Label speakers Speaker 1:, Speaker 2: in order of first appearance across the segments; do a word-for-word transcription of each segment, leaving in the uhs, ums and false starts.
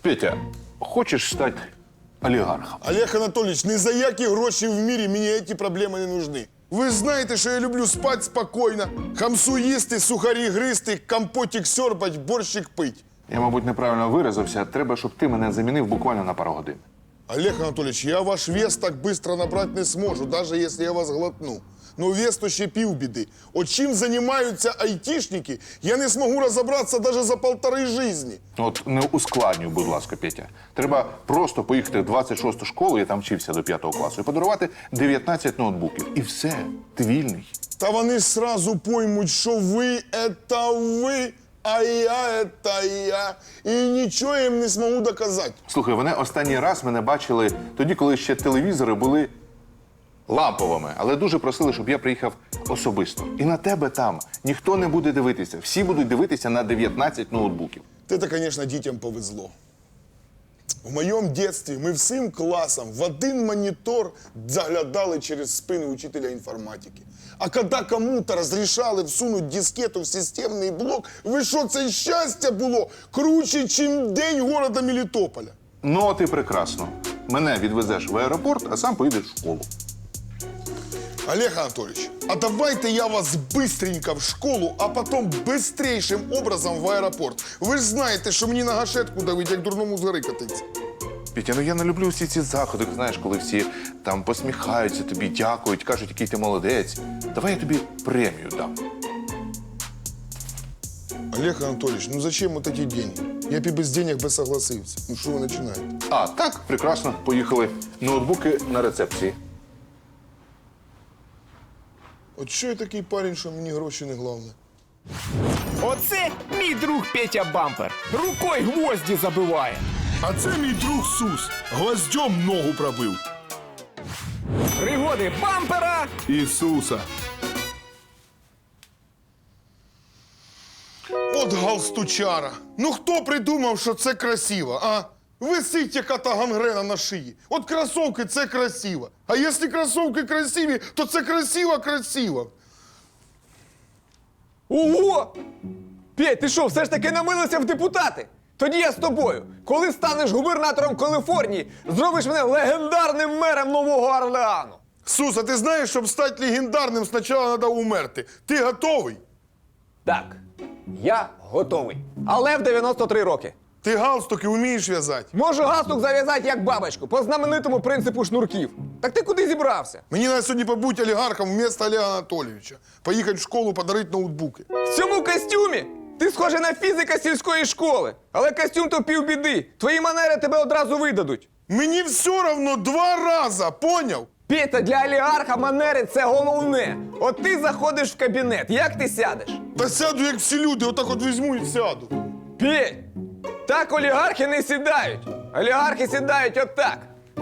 Speaker 1: Петя, хочеш стати олігархом?
Speaker 2: Олег Анатолійович, ні за які гроші в мірі мені ці проблеми не нужны. Ви знаєте, що я люблю спати спокійно, хамсу їсти, сухарі гристи, компотик сьорбать, борщик пить.
Speaker 1: Я, мабуть, неправильно виразився. Треба, щоб ти мене замінив буквально на пару годин.
Speaker 2: Олег Анатолійович, я ваш вес так швидко набрати не зможу, навіть якщо я вас глотну. Ну вес то ще півбіди. От чим займаються айтішники, я не зможу розібратися навіть за полтори житті.
Speaker 1: От не ускладнюй, будь ласка, Петя. Треба просто поїхати в двадцять шосту школу, я там вчився до п'ятого класу, і подарувати дев'ятнадцять ноутбуків. І все, ти вільний.
Speaker 2: Та вони сразу поймуть, що ви – це ви, а я – це я. І нічого їм не зможу доказати.
Speaker 1: Слухай, вони останній раз мене бачили тоді, коли ще телевізори були ламповими, але дуже просили, щоб я приїхав особисто. І на тебе там ніхто не буде дивитися. Всі будуть дивитися на дев'ятнадцять ноутбуків.
Speaker 2: Це, звісно, дітям повезло. В моєму дитинстві ми всім класом в один монітор заглядали через спину учителя інформатики. А коли кому-то розрішали всунути дискету в системний блок, ви що, це щастя було круче, чим день города Мелітополя.
Speaker 1: Ну, от і прекрасно. Мене відвезеш в аеропорт, а сам поїдеш в школу.
Speaker 2: Олег Анатольевич, а давайте я вас быстренько в школу, а потом быстрейшим образом в аеропорт. Ви ж знаєте, що мені на гашетку давить, як дурному з гори катиться.
Speaker 1: Петя, ну я не люблю всі ці заходи, знаєш, коли всі там посміхаються тобі, дякують, кажуть, який ти молодець. Давай я тобі премію дам.
Speaker 2: Олег Анатольевич, ну зачем вот эти деньги? Я б і без денег би согласився. Ну що ви починаєте?
Speaker 1: А, так, прекрасно, поїхали. Ноутбуки на рецепції.
Speaker 2: От що я такий парень, що мені гроші не головне?
Speaker 3: Оце мій друг Петя Бампер. Рукою гвозді забиває.
Speaker 4: А це мій друг Сус. Гвоздьом ногу пробив.
Speaker 3: Пригоди Бампера.
Speaker 4: Ісуса.
Speaker 2: От галстучара. Ну хто придумав, що це красиво, а? Висить яка-то гангрена на шиї. От кросовки – це красиво. А якщо кросовки красиві, то це красиво-красиво.
Speaker 3: Ого! Петь, ти що, все ж таки намилився в депутати? Тоді я з тобою. Коли станеш губернатором Каліфорнії, зробиш мене легендарним мером Нового Орлеану.
Speaker 2: Сус, а ти знаєш, щоб стати легендарним, спочатку треба умерти. Ти готовий?
Speaker 3: Так, я готовий. Але в дев'яносто три роки.
Speaker 2: Ти галстуки вмієш в'язати?
Speaker 3: Можу галстук зав'язати як бабочку, по знаменитому принципу шнурків. Так ти куди зібрався?
Speaker 2: Мені треба сьогодні побути олігархом вместо Олега Анатолійовича. Поїхати в школу, подарити ноутбуки.
Speaker 3: В цьому костюмі? Ти схожий на фізика сільської школи. Але костюм то півбіди. Твої манери тебе одразу видадуть.
Speaker 2: Мені все одно два рази, поняв?
Speaker 3: Петя, для олігарха манери – це головне. От ти заходиш в кабінет, як ти сядеш?
Speaker 2: Та сяду, як всі люди, отак от візьму і сяду.
Speaker 3: Петь, так олігархи не сідають. Олігархи сідають отак.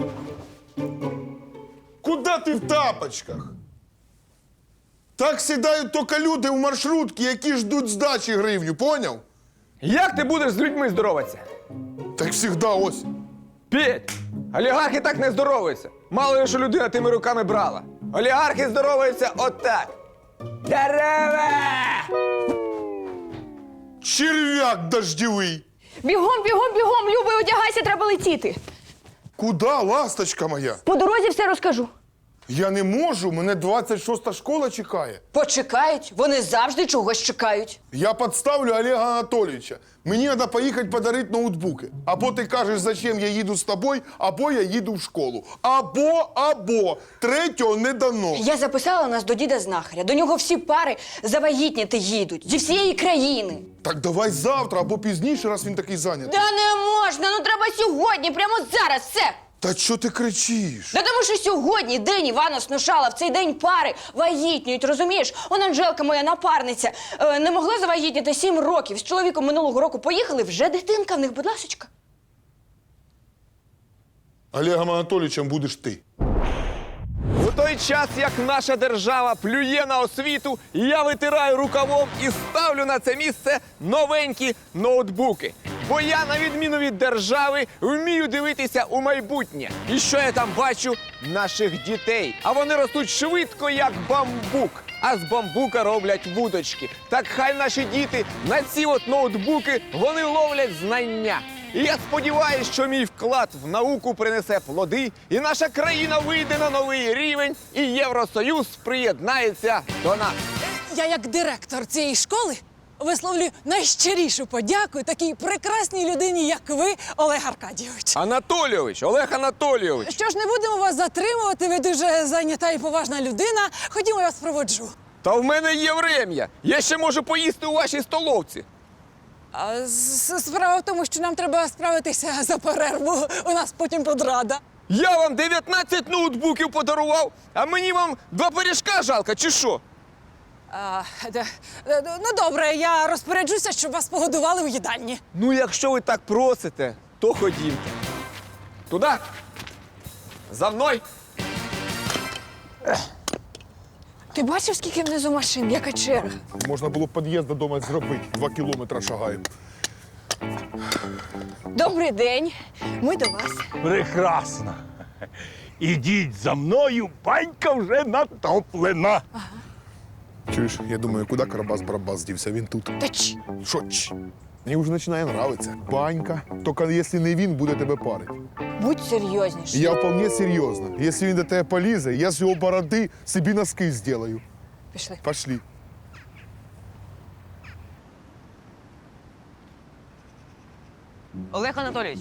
Speaker 2: Куда ти в тапочках? Так сідають тільки люди в маршрутки, які ждуть здачі гривню, поняв?
Speaker 3: Як ти будеш з людьми здороватися?
Speaker 2: Так завжди ось.
Speaker 3: Петь, олігархи так не здоровуються. Мало ли, що людина тими руками брала. Олігархи здоровуються отак. Дерева!
Speaker 2: Черв'як дождєвий.
Speaker 5: Бігом, бігом, бігом, Любий, одягайся, треба летіти.
Speaker 2: Куда, ласточка моя?
Speaker 5: По дорозі все розкажу.
Speaker 2: Я не можу, мене двадцять шоста школа чекає.
Speaker 6: Почекають, вони завжди чогось чекають.
Speaker 2: Я підставлю Олега Анатолійовича. Мені треба поїхати подарити ноутбуки. Або ти кажеш, зачем я їду з тобою, або я їду в школу. Або, або. Третього не дано.
Speaker 6: Я записала нас до діда знахаря. До нього всі пари завагітніти їдуть. Зі всієї країни.
Speaker 2: Так давай завтра або пізніше, раз він такий зайнятий.
Speaker 6: Да не можна, ну треба сьогодні, прямо зараз, все.
Speaker 2: Та що ти кричиш?
Speaker 6: Да тому що сьогодні день Івана Сношала, в цей день пари вагітнюють, розумієш? Он Анжелка, моя напарниця, е, не могла завагітніти сім років. З чоловіком минулого року поїхали, вже дитинка в них, будь ласочка.
Speaker 2: Олегом Анатолійовичем будеш ти.
Speaker 3: У той час, як наша держава плює на освіту, я витираю рукавом і ставлю на це місце новенькі ноутбуки. Бо я, на відміну від держави, вмію дивитися у майбутнє. І що я там бачу? Наших дітей. А вони ростуть швидко, як бамбук. А з бамбука роблять вудочки. Так хай наші діти на ці от ноутбуки вони ловлять знання. І я сподіваюся, що мій вклад в науку принесе плоди, і наша країна вийде на новий рівень, і Євросоюз приєднається до нас.
Speaker 7: Я, як директор цієї школи, висловлюю найщирішу подяку такій прекрасній людині, як ви, Олег Аркадійович.
Speaker 3: Анатолійович, Олег Анатолійович.
Speaker 7: Що ж, не будемо вас затримувати, ви дуже зайнята і поважна людина. Ходімо, я вас проводжу.
Speaker 3: Та в мене є врем'я. Я ще можу поїсти у вашій столовці.
Speaker 7: А с- справа в тому, що нам треба справитися за перерву. У нас потім подрада.
Speaker 3: Я вам дев'ятнадцять ноутбуків подарував, а мені вам два пиріжка жалко, чи що?
Speaker 7: А, де- де- ну, добре, я розпоряджуся, щоб вас погодували у їдальні.
Speaker 3: Ну, якщо ви так просите, то ходімте. Туди. За мною.
Speaker 5: Ти бачив, скільки внизу машин, яка черга?
Speaker 4: Можна було б під'їзд додому зробити. Два кілометри шагаємо.
Speaker 5: Добрий день. Ми до вас.
Speaker 8: Прекрасно. Ідіть за мною, банька вже натоплена.
Speaker 4: Чуєш, я думаю, куди Карабас-Барабас дівся? Він тут.
Speaker 5: Та ч.
Speaker 4: Що ч? Мені вже починає нравитися. Банька. Тільки якщо не він, буде тебе парити.
Speaker 5: Будь серйозніше.
Speaker 4: Я вполне серйозно. Якщо він до тебе полізе, я з його бороди собі носки зроблю.
Speaker 5: Пішли.
Speaker 4: Пошли.
Speaker 9: Олег Анатолійович.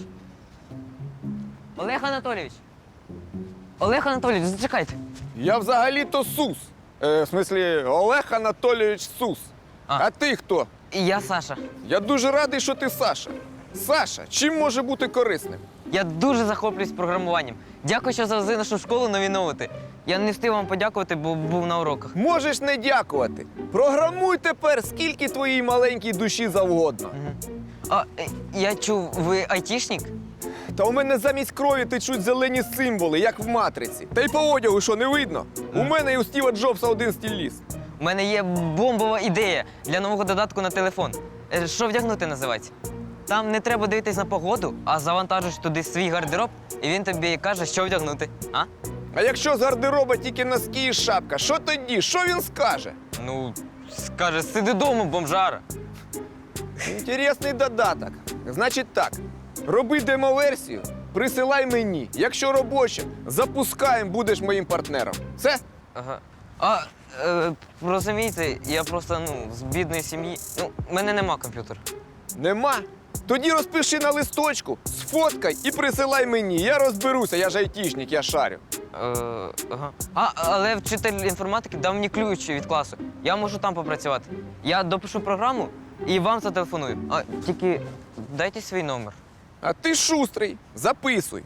Speaker 9: Олег Анатолійович. Олег Анатолійович, зачекайте.
Speaker 3: Я взагалі-то Сус. Е, в смислі, Олег Анатолійович Сус. А.
Speaker 9: А.
Speaker 3: а ти хто?
Speaker 9: І я Саша.
Speaker 3: Я дуже радий, що ти Саша. Саша, чим може бути корисним?
Speaker 9: Я дуже захоплююсь програмуванням. Дякую, що завезли нашу школу нові ноути. Я не встиг вам подякувати, бо був на уроках.
Speaker 3: Можеш не дякувати. Програмуй тепер, скільки твоїй маленькій душі завгодно.
Speaker 9: А е, я чув, ви айтішник?
Speaker 3: Та у мене замість крові течуть зелені символи, як в матриці. Та й по одягу, що не видно? У мене і у Стіва Джобса один стіль ліс.
Speaker 9: У мене є бомбова ідея для нового додатку на телефон. Е, Що вдягнути називається? Там не треба дивитись на погоду, а завантажиш туди свій гардероб, і він тобі каже, що вдягнути. А?
Speaker 3: А якщо з гардероба тільки носки і шапка, що тоді? Що він скаже?
Speaker 9: Ну, скаже, сиди дома, бомжара.
Speaker 3: Інтересний додаток. Значить так, роби демоверсію, присилай мені. Якщо робоча, запускаємо, будеш моїм партнером. Все?
Speaker 9: Ага. А, е, розумієте, я просто, ну, з бідної сім'ї. Ну, в мене нема комп'ютера.
Speaker 3: Нема? Тоді розпиши на листочку, сфоткай і присилай мені. Я розберуся, я ж айтішник, я шарю.
Speaker 9: Е, ага. А, але вчитель інформатики дав мені ключ від класу. Я можу там попрацювати. Я допишу програму і вам зателефоную. А тільки дайте свій номер.
Speaker 3: А ти шустрий, записуй.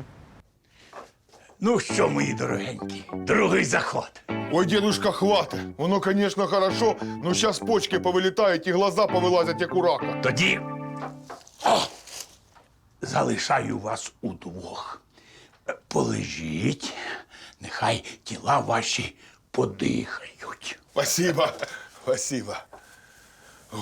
Speaker 8: Ну що, мої дорогенькі, другий заход.
Speaker 4: Ой, дедушка, хватит. Воно, конечно, хорошо, но сейчас почки повилітають і глаза повилазять, як у рака.
Speaker 8: Тоді о, залишаю вас удвох. Е, Полежіть, нехай тіла ваші подихають.
Speaker 4: Спасибо, спасибо. О,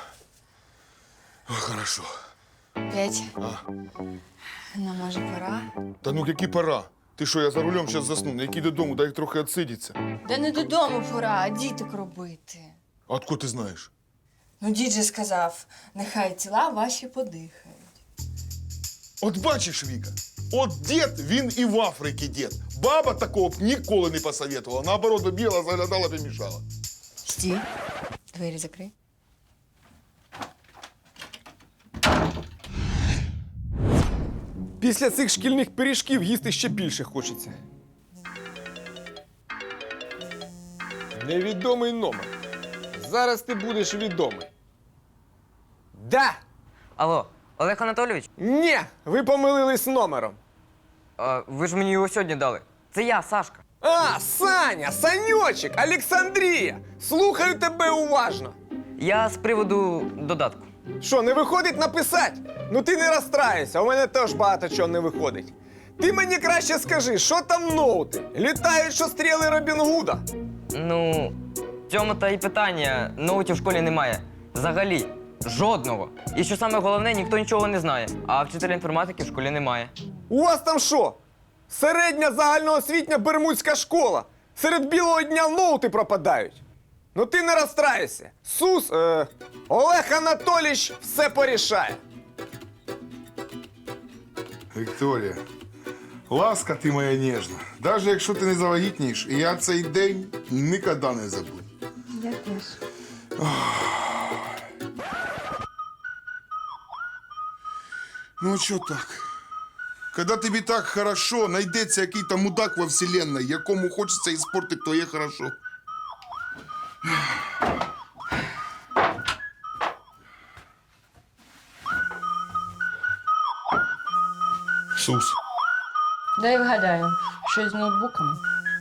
Speaker 4: О, хорошо.
Speaker 5: Петь. Ну, може, пора?
Speaker 4: Та ну які пора? Ти що, я за рулем зараз засну, на який додому, дай трохи відсидіться.
Speaker 5: Да не додому пора, а діток робити.
Speaker 4: А откуда ти знаєш?
Speaker 5: Ну, дід же сказав, нехай тіла ваші подихають.
Speaker 4: От бачиш, Віка, от дід, він і в Африці дід. Баба такого б ніколи не посоветувала. Наоборот, би біла, заглядала б і мішала.
Speaker 5: Стій. Двері закрий.
Speaker 3: Після цих шкільних пиріжків їсти ще більше хочеться. Невідомий номер. Зараз ти будеш відомий. Да!
Speaker 9: Алло, Олег Анатолійович,
Speaker 3: Ні, ви помилились номером.
Speaker 9: а, ви ж мені його сьогодні дали. Це я, Сашка.
Speaker 3: А, Саня, Саньочек, Олександрія! Слухаю тебе уважно.
Speaker 9: Я з приводу додатку.
Speaker 3: Що, не виходить написати? Ну ти не розстраюйся, у мене теж багато чого не виходить. Ти мені краще скажи, що там ноути? Літають, що стріли Робін Гуда.
Speaker 9: Ну, в цьому та й питання. Ноутів в школі немає. Взагалі. Жодного. І що саме головне, ніхто нічого не знає. А вчителя інформатики в школі немає.
Speaker 3: У вас там що? Середня загальноосвітня бермудська школа. Серед білого дня ноути пропадають. Ну ти не розстраюйся. Сус, е, Олег Анатолійович все порішає.
Speaker 4: Вікторія, ласка ти моя ніжна. Навіть якщо ти не завагітнієш, я цей день ніколи не забуду.
Speaker 5: Я теж.
Speaker 4: Ну, що так? Когда тобі так хорошо, знайдеться який-то мудак во вселенной, якому хочеться іспортити твоє хорошо. Сус.
Speaker 5: Дай вгадаю, щось з ноутбуками.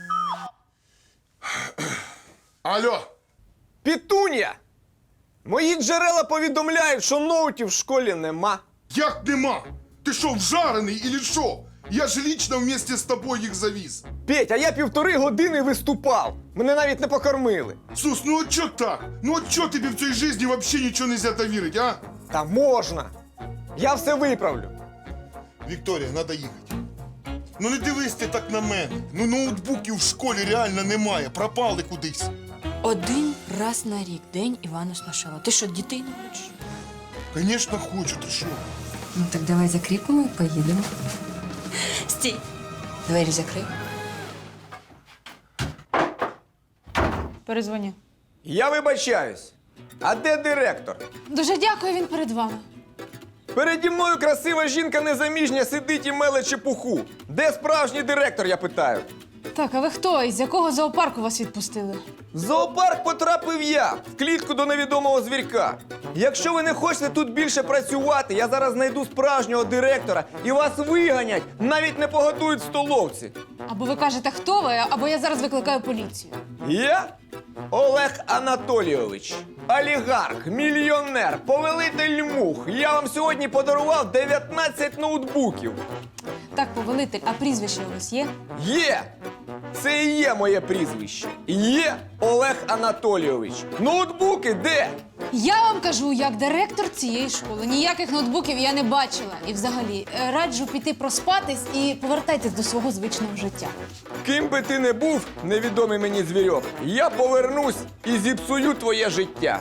Speaker 4: Алло,
Speaker 3: Пітун'я! Мої джерела повідомляють, що ноутів в школі нема.
Speaker 4: як нема? Ти що, вжарений или що? Я ж лично вместе з тобою їх завіз.
Speaker 3: Петь, а я півтори години виступав. Мене навіть не покормили.
Speaker 4: Сус, ну от чо так? Ну от чо тобі в цій житті взагалі нічого не можна вірити, а?
Speaker 3: Та можна. Я все виправлю.
Speaker 4: Вікторія, треба їхати. Ну не дивись ти так на мене. Ну ноутбуків в школі реально немає, пропали кудись.
Speaker 5: Один раз на рік день Івана Сношала. Ти що, дітей не хочеш?
Speaker 4: Звісно, хочу, ти що?
Speaker 5: Ну так давай закріпимо і поїдемо. Стій. Двері закрий.
Speaker 7: Перезвоню.
Speaker 3: Я вибачаюсь. А де директор?
Speaker 7: Дуже дякую, він перед вами.
Speaker 3: Переді мною красива жінка незаміжня сидить і меле чепуху. Де справжній директор, я питаю?
Speaker 7: Так, а ви хто? Із якого зоопарку вас відпустили?
Speaker 3: В зоопарк потрапив я, в клітку до невідомого звірка. Якщо ви не хочете тут більше працювати, я зараз знайду справжнього директора і вас виганять, навіть не погодують в столовці.
Speaker 7: Або ви кажете, хто ви, або я зараз викликаю поліцію.
Speaker 3: Я Олег Анатолійович, олігарх, мільйонер, повелитель мух. Я вам сьогодні подарував дев'ятнадцять ноутбуків.
Speaker 7: Так, повелитель, а прізвище у вас є?
Speaker 3: Є! Це і є моє прізвище. Є Олег Анатолійович. Ноутбуки де?
Speaker 7: Я вам кажу, як директор цієї школи. Ніяких ноутбуків я не бачила. І взагалі, е, раджу піти проспатись і повертайтесь до свого звичного життя.
Speaker 3: Ким би ти не був, невідомий мені звірьок, я повернусь і зіпсую твоє життя.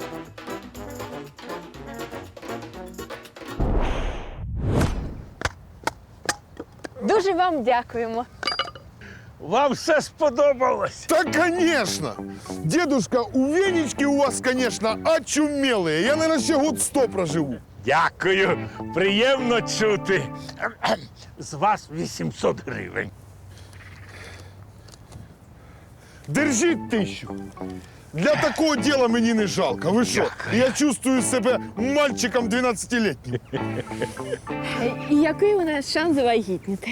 Speaker 10: Дуже вам дякуємо.
Speaker 8: Вам все сподобалось?
Speaker 4: Да, конечно! Дедушка, у Венечки у вас, конечно, очумелые. Я, наверное, ще год сто проживу.
Speaker 8: Дякую, приємно чути. З вас вісімсот гривень.
Speaker 4: Держіть тисячу. Для такого діла мені не жалко. Ви що? Я чувствую себе мальчиком дванадцятилітнім.
Speaker 10: І який у нас шанс завагітніти?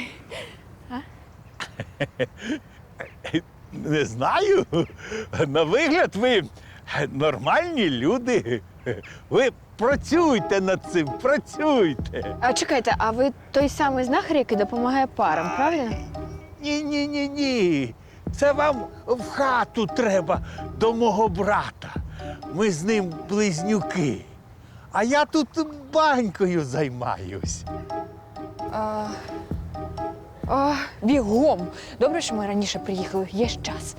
Speaker 8: Не знаю. На вигляд ви нормальні люди. Ви працюйте над цим, працюйте.
Speaker 10: А чекайте, а ви той самий знахар, який допомагає парам, правильно?
Speaker 8: Ні-ні-ні-ні. Це вам в хату треба до мого брата. Ми з ним близнюки. А я тут банькою займаюсь.
Speaker 10: А, а, бігом. Добре, що ми раніше приїхали. Є ж час.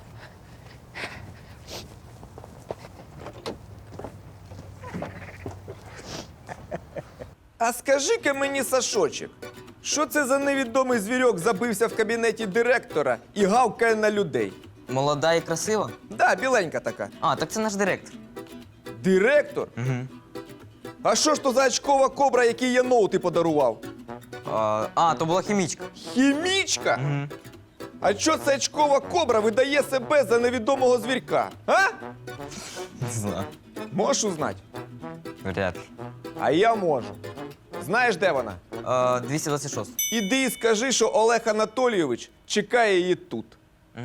Speaker 3: А скажи-ка мені, Сашочек, що це за невідомий звірьок забився в кабінеті директора і гавкає на людей?
Speaker 9: Молода і красива?
Speaker 3: Да, біленька така.
Speaker 9: А, так це наш директор.
Speaker 3: Директор?
Speaker 9: Угу.
Speaker 3: А що ж то за очкова кобра, який я ноути подарував?
Speaker 9: А, а, то була хімічка.
Speaker 3: Хімічка?
Speaker 9: Угу.
Speaker 3: А що ця очкова кобра видає себе за невідомого звірка? А?
Speaker 9: Не знаю.
Speaker 3: Можеш узнати?
Speaker 9: Вряд ли.
Speaker 3: А я можу. Знаєш, де вона?
Speaker 9: А, двісті двадцять шість.
Speaker 3: Іди і скажи, що Олег Анатолійович чекає її тут.
Speaker 9: Угу.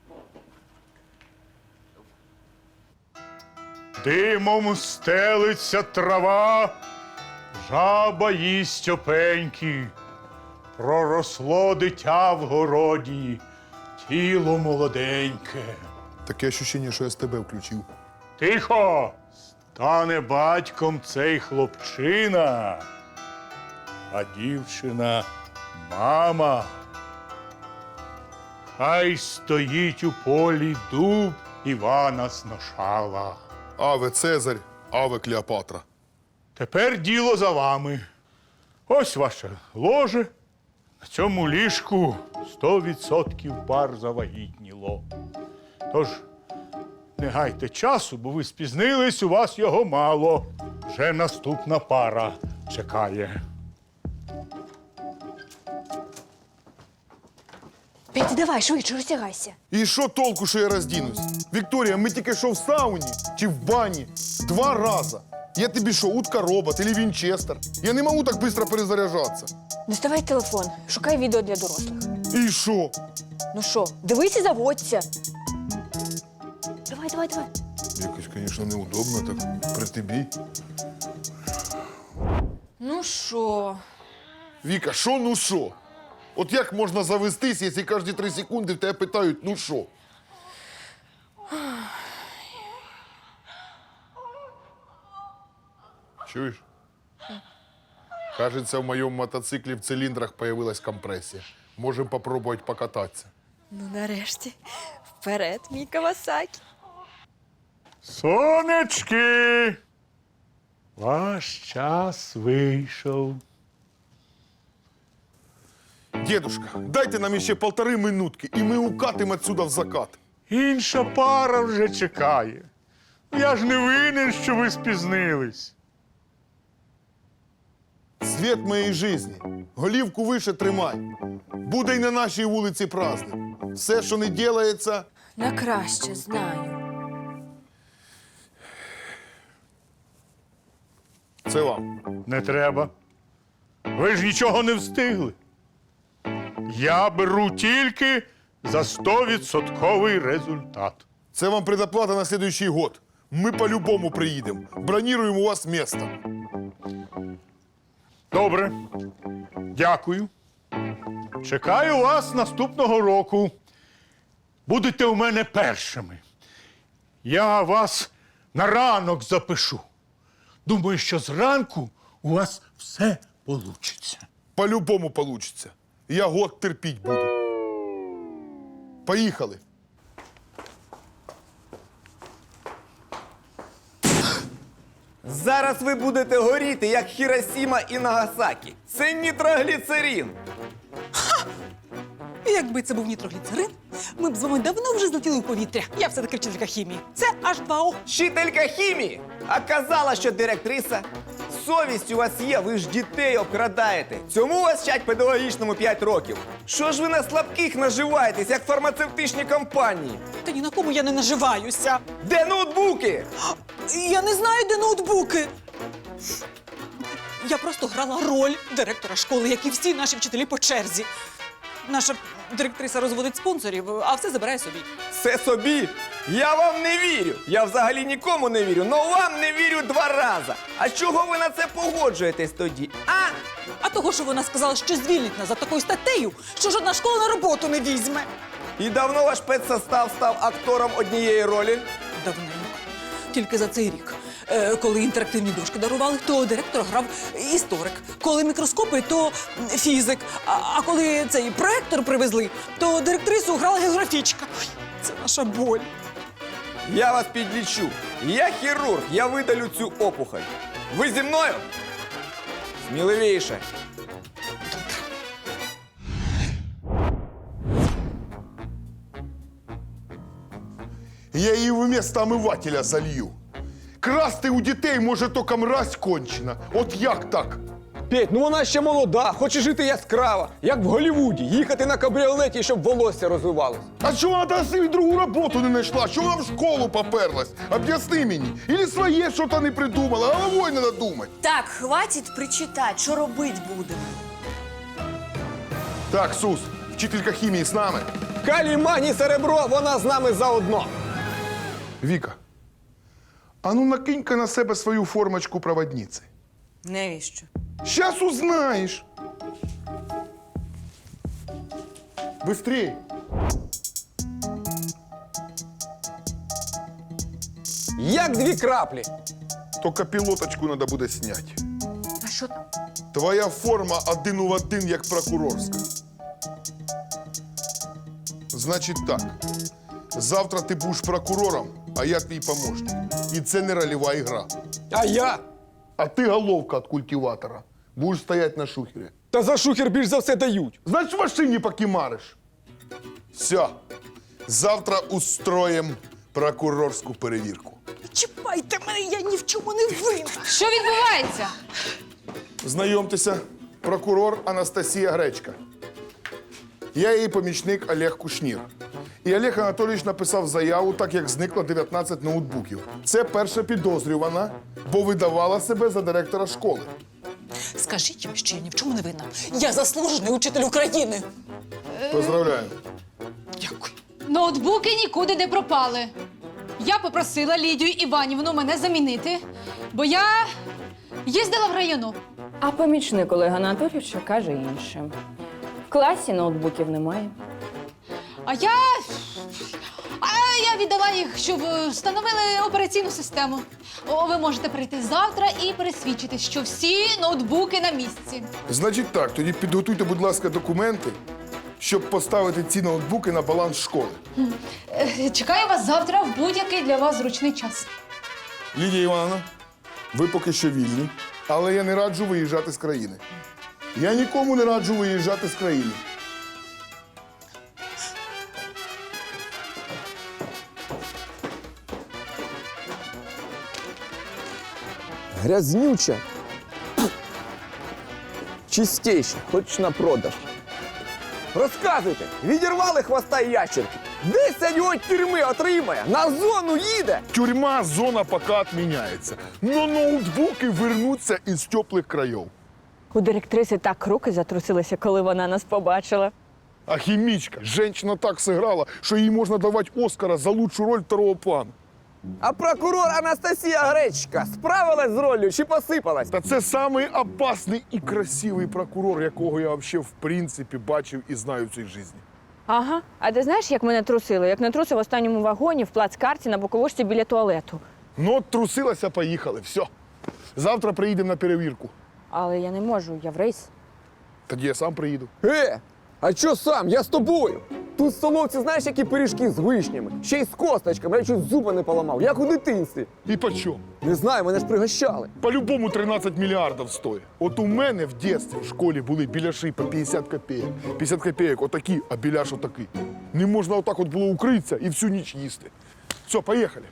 Speaker 11: Димом стелиться трава, жаба їсть опеньки. Проросло дитя в городі, тіло молоденьке.
Speaker 4: Таке ощущення, що я з тебе включив.
Speaker 11: Тихо! Стане батьком цей хлопчина, а дівчина мама. Хай стоїть у полі дуб Івана Сношала.
Speaker 4: Аве Цезарь, аве Клеопатра.
Speaker 11: Тепер діло за вами. Ось ваше ложе, На цьому ліжку сто відсотків пар завагітніло. Тож не гайте часу, бо ви спізнились, у вас його мало. Вже наступна пара чекає.
Speaker 6: Петя, давай, швидше, розтягайся.
Speaker 2: І що толку, що я роздінусь? Вікторія, ми тільки що в сауні чи в бані два рази. Я тобі що, утка-робот или Вінчестер? Я не можу так швидко перезаряджатися.
Speaker 6: Доставай телефон, шукай відео для дорослих.
Speaker 2: І що?
Speaker 6: Ну що, дивись і заводься. Давай, давай, давай.
Speaker 2: Якось, звісно, неудобно так при тобі.
Speaker 10: Ну що?
Speaker 2: Віка, що ну що? От як можна завестись, якщо кожні три секунди в тебе питають, ну що? Чуєш? Кажется, в моєму мотоциклі в циліндрах появилась компресія. Можемо попробувати покататися.
Speaker 6: Ну, нарешті. Вперед, мій Кавасакі.
Speaker 11: Сонечки! Ваш час вийшов.
Speaker 2: Дедушка, дайте нам ще полтори минутки, і ми укатимо отсюда в закат.
Speaker 11: Інша пара вже чекає. Я ж не винен, що ви спізнились.
Speaker 2: Світ моєї житті. Голівку вище тримай. Буде й на нашій вулиці праздник. Все, що не ділається,
Speaker 6: На краще, знаю.
Speaker 2: це вам.
Speaker 11: Не треба. Ви ж нічого не встигли. Я беру тільки за стовідсотковий результат.
Speaker 2: Це вам предоплата на следующий год. Ми по-любому приїдемо. Броніруємо у вас місто.
Speaker 11: Добре. Дякую. Чекаю вас наступного року. Будете у мене першими. Я вас на ранок запишу. Думаю, що зранку у вас все получиться.
Speaker 2: По-любому получиться. Я год терпіть буду. Поїхали.
Speaker 3: Зараз ви будете горіти, як Хіросіма і Нагасакі. Це нітрогліцерин.
Speaker 12: Якби це був нітрогліцерин, ми б з вами давно вже злетіли у повітря. Я все-таки вчителька хімії. Це аш два о.
Speaker 3: Вчителька хімії, а казала, що директриса. Совість у вас є, ви ж дітей обкрадаєте. Цьому вас вчать педагогічному п'ять років. Що ж ви на слабких наживаєтесь, як фармацевтичні компанії?
Speaker 12: Та ні на кому я не наживаюся.
Speaker 3: Де ноутбуки?
Speaker 12: Я не знаю, де ноутбуки. Я просто грала роль директора школи, як і всі наші вчителі по черзі. Наша директриса розводить спонсорів, а все забирає собі.
Speaker 3: Все собі? Я вам не вірю. Я взагалі нікому не вірю, но вам не вірю два рази. А чого ви на це погоджуєтесь тоді? А?
Speaker 12: А того, що вона сказала, що звільнить нас за такою статтею, що жодна школа на роботу не візьме.
Speaker 3: І давно ваш педсостав став актором однієї ролі?
Speaker 12: Давненько. Тільки за цей рік. Е, Коли інтерактивні дошки дарували, то директор грав історик. Коли мікроскопи, то фізик. А, а коли цей проектор привезли, то директрису грала географічка. Ой, це наша боль.
Speaker 3: Я вас підлічу. Я хірург, я видалю цю опухоль. Ви зі мною? Сміливіше.
Speaker 2: Я її вместо омивателя залью. Красти у дітей може тільки мразь кончена. От як так?
Speaker 3: Петь, ну вона ще молода, хоче жити яскраво, як в Голлівуді, їхати на кабріолеті, щоб волосся розвивалось.
Speaker 2: А чого вона там собі другу роботу не знайшла? Чого вона в школу поперлась? Об'ясни мені. Ілі своє щось не придумала, головою не надумать.
Speaker 6: Так, хватить причитати, що робити будемо.
Speaker 2: Так, Сус, вчителька хімії з нами.
Speaker 3: Калій, магній, серебро, вона з нами заодно.
Speaker 2: Віка, а ну накинь-ка на себе свою формочку проводниці.
Speaker 6: Навіщо?
Speaker 2: Щас узнаєш. Быстрей.
Speaker 3: Як дві краплі.
Speaker 2: Тільки пілоточку треба буде зняти.
Speaker 6: А що там?
Speaker 2: Твоя форма один у один, як прокурорська. Значить так. Завтра ти будеш прокурором, а я твій помощник. І це не рольова ігра.
Speaker 3: А я?
Speaker 2: А ти головка від культиватора. Будеш стояти на шухері.
Speaker 3: Та за шухер більш за все дають.
Speaker 4: Значить, в машині покимариш.
Speaker 2: Все. Завтра устроїм прокурорську перевірку.
Speaker 12: Чіпайте мене, я ні в чому не винна.
Speaker 7: Що відбувається?
Speaker 2: Знайомтеся, прокурор Анастасія Гречка. Я її помічник Олег Кушнір. І Олег Анатолійович написав заяву, так як зникло дев'ятнадцять ноутбуків. Це перша підозрювана, бо видавала себе за директора школи.
Speaker 12: Скажіть їм, що я ні в чому не винна. Я заслужений учитель України.
Speaker 2: Поздравляю.
Speaker 12: Дякую.
Speaker 7: Ноутбуки нікуди не пропали. Я попросила Лідію Іванівну мене замінити, бо я їздила в району.
Speaker 6: А помічник Олега Анатолійовича каже інше. В класі ноутбуків немає.
Speaker 7: А я. А я віддала їх, щоб встановили операційну систему. О, ви можете прийти завтра і пересвідчити, що всі ноутбуки на місці.
Speaker 2: Значить так, тоді підготуйте, будь ласка, документи, щоб поставити ці ноутбуки на баланс школи.
Speaker 7: Е, Чекаю вас завтра в будь-який для вас зручний час.
Speaker 2: Лідія Івановна, ви поки що вільні, але я не раджу виїжджати з країни. Я нікому не раджу виїжджати з країни.
Speaker 3: Грязнюча. Чистейша, хоч на продаж. Розказуйте, відірвали хвоста і ящерки. Десять його тюрми отримає, на зону їде.
Speaker 2: Тюрма, зона поки відміняється. Но ноутбуки вернуться із теплих країв.
Speaker 6: У директриси так руки затрусилися, коли вона нас побачила.
Speaker 2: А хімічка, жінка так зіграла, що їй можна давати Оскара за лучшу роль второго плану.
Speaker 3: А прокурор Анастасія Гречка справилась з роллю чи посипалась?
Speaker 2: Та це самий опасний і красивий прокурор, якого я взагалі в принципі бачив і знаю в цій житті.
Speaker 6: Ага. А ти знаєш, як мене трусили? Як не трусив в останньому вагоні в плацкарті на боковушці біля туалету.
Speaker 2: Ну, от трусилася, поїхали, все. Завтра приїдемо на перевірку.
Speaker 6: Але я не можу, я в рейс.
Speaker 2: Тоді я сам приїду.
Speaker 3: Е, а чо сам? Я з тобою. Тут в столовці знаєш, які пиріжки з вишнями? Ще й з косточками, я чуть зуба не поламав, як у дитинстві.
Speaker 2: І по чому?
Speaker 3: Не знаю, мене ж пригощали.
Speaker 2: По-любому тринадцять мільярдів стоїть. От у мене в дитинстві в школі були біляші по п'ятдесят копійок. п'ятдесят копійок отакі, а біляш отакий. Не можна отак от було укритися і всю ніч їсти. Все, поїхали.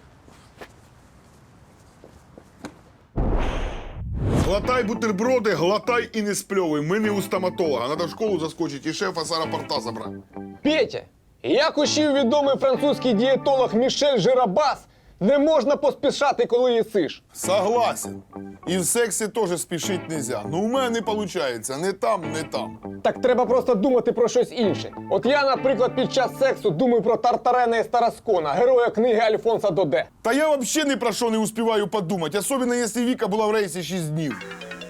Speaker 2: Глотай бутерброди, глотай і не спльовуй. Ми не у стоматолога. Надо в школу заскочити і шефа з аеропорта забрати.
Speaker 3: Петя, як учив відомий французький дієтолог Мішель Жирабас, не можна поспішати, коли їсиш.
Speaker 2: Согласен. І в сексі теж спішити нельзя. Ну у мене не виходить. Не там, не там.
Speaker 3: Так треба просто думати про щось інше. От я, наприклад, під час сексу думаю про Тартарена і Стараскона, героя книги Альфонса Доде.
Speaker 2: Та я взагалі ні про що не успіваю подумати, особливо, якщо Віка була в рейсі шість днів.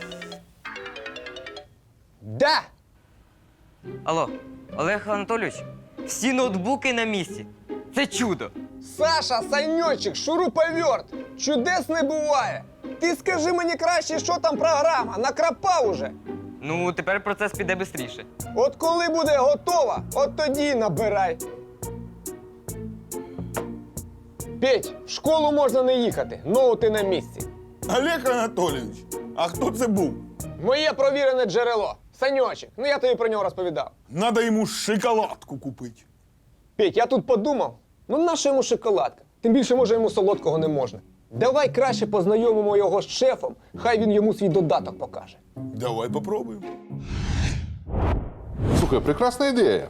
Speaker 3: Да!
Speaker 9: Алло, Олег Анатолійович, всі ноутбуки на місці. Це чудо.
Speaker 3: Саша, Саньочек, шуруповерт, чудес не буває. Ти скажи мені краще, що там програма, накрапав уже.
Speaker 9: Ну, тепер процес піде швидше.
Speaker 3: От коли буде готова, от тоді й набирай. Петь, в школу можна не їхати, ноути на місці.
Speaker 2: Олег Анатолійович, а хто це був?
Speaker 3: Моє провірене джерело. Саньочек, ну я тобі про нього розповідав.
Speaker 2: Надо йому шоколадку купити.
Speaker 3: Петь, я тут подумав, ну наша йому шоколадка? Тим більше, може, йому солодкого не можна. Давай краще познайомимо його з шефом, хай він йому свій додаток покаже.
Speaker 2: Давай попробуємо.
Speaker 1: Слухай, прекрасна ідея.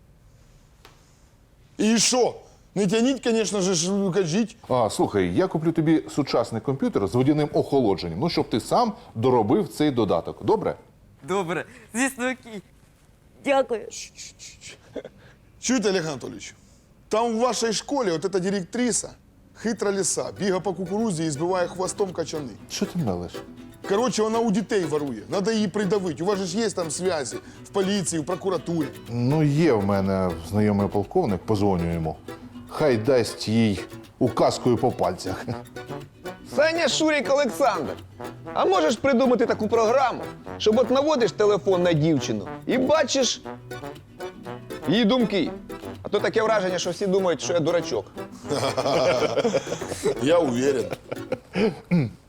Speaker 2: І що? Не тяніть, звісно ж, кажіть.
Speaker 1: А, слухай, я куплю тобі сучасний комп'ютер з водяним охолодженням, ну, щоб ти сам доробив цей додаток. Добре?
Speaker 9: Добре, звісно, окей. Дякую.
Speaker 2: Чуєте, Олег Анатолійович, там в вашій школі от эта директриса, хитра лиса, бігає по кукурузі і збиває хвостом качани.
Speaker 1: Що ти мелиш?
Speaker 2: Коротше, вона у дітей ворує. Надо її придавити. У вас же ж є там зв'язі в поліції, в прокуратурі.
Speaker 1: Ну, є в мене знайомий полковник, позвоню йому. Хай дасть їй указкою по пальцях.
Speaker 3: Саня Шурік Олександр, а можеш придумати таку програму, щоб от наводиш телефон на дівчину і бачиш її думки. А то таке враження, що всі думають, що я дурачок.
Speaker 2: Я уверен.